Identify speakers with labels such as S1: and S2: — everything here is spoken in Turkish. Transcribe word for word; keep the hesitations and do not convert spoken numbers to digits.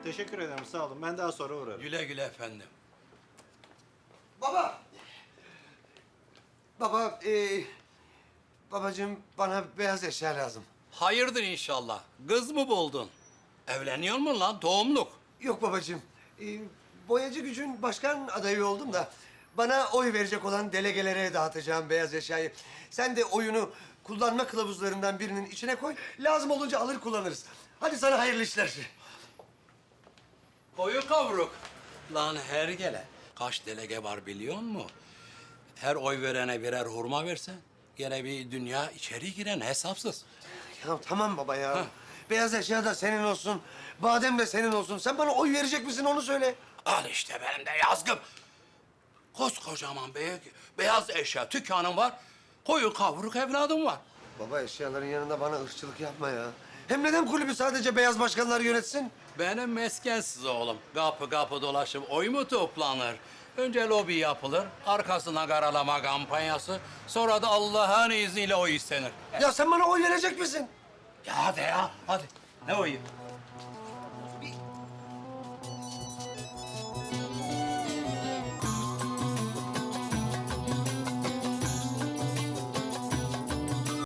S1: Teşekkür ederim, sağ olun. Ben daha sonra uğrarım.
S2: Güle güle efendim.
S3: Baba! Baba, ee, babacığım bana beyaz eşya lazım.
S2: Hayırdır inşallah. Kız mı buldun? Evleniyor mu lan doğumluk?
S3: Yok babacığım, ee, boyacı gücün başkan adayı oldum da... ...bana oy verecek olan delegelere dağıtacağım beyaz eşyayı. Sen de oyunu kullanma kılavuzlarından birinin içine koy. Lazım olunca alır kullanırız. Hadi sana hayırlı işler.
S2: Koyu kavruk. Lan her gele. Kaç delege var biliyor musun? Her oy verene birer hurma versen... ...gene bir dünya içeri giren hesapsız.
S3: Ya tamam baba ya. Beyaz eşya da senin olsun. Badem de senin olsun. Sen bana oy verecek misin onu söyle.
S2: Al işte benim de yazgım. Koskocaman be beyaz eşya dükkanım var. Koyu kavruk evladım var.
S3: Baba eşyaların yanında bana ırkçılık yapma ya. Hem neden kulübü sadece beyaz başkanlar yönetsin?
S2: Benim meskensiz oğlum. Kapı kapı dolaşıp oy mu toplanır? Önce lobi yapılır, arkasına karalama kampanyası. Sonra da Allah'ın izniyle oy istenir.
S3: Ya sen bana oy verecek misin?
S2: Ya hadi ya, hadi. Ne oyu?